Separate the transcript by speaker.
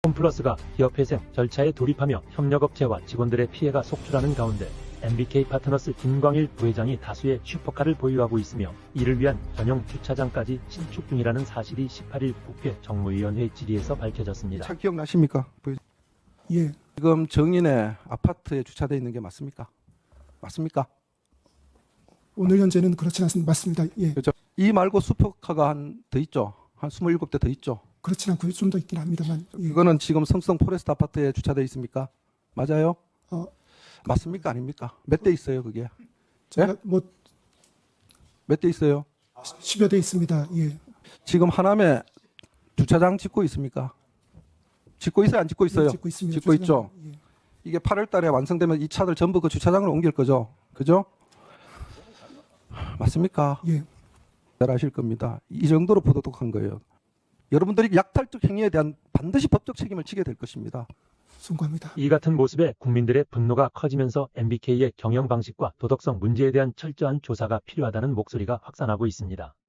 Speaker 1: 홈플러스가 기업회생 절차에 돌입하며 협력업체와 직원들의 피해가 속출하는 가운데 MBK 파트너스 김광일 부회장이 다수의 슈퍼카를 보유하고 있으며 이를 위한 전용 주차장까지 신축 중이라는 사실이 18일 국회 정무위원회 질의에서 밝혀졌습니다.
Speaker 2: 차 기억나십니까?
Speaker 3: 예,
Speaker 2: 지금 정인의 아파트에 주차되어 있는 게 맞습니까? 맞습니까?
Speaker 3: 오늘 현재는 그렇진 않습니다. 맞습니다. 예,
Speaker 2: 그렇죠. 이 말고 슈퍼카가 한 더 있죠. 한 27대 더 있죠.
Speaker 3: 그렇진 않고요. 좀 더 있긴 합니다만. 예.
Speaker 2: 그거는 지금 성성 포레스트 아파트에 주차되어 있습니까? 맞아요? 맞습니까? 아닙니까? 몇 대 있어요, 그게?
Speaker 3: 제가 뭐
Speaker 2: 몇 대 있어요?
Speaker 3: 10여 대 있습니다. 예,
Speaker 2: 지금 하남에 주차장 짓고 있습니까? 짓고 있어요? 안 짓고 있어요?
Speaker 3: 예, 짓고 있습니다.
Speaker 2: 짓고 있죠.
Speaker 3: 예.
Speaker 2: 이게 8월 달에 완성되면 이 차들 전부 그 주차장으로 옮길 거죠. 그죠? 맞습니까?
Speaker 3: 예,
Speaker 2: 잘 아실 겁니다. 이 정도로 부도덕한 거예요. 여러분들이 약탈적 행위에 대한 반드시 법적 책임을 지게 될 것입니다.
Speaker 3: 송구합니다.
Speaker 1: 이 같은 모습에 국민들의 분노가 커지면서 MBK의 경영 방식과 도덕성 문제에 대한 철저한 조사가 필요하다는 목소리가 확산하고 있습니다.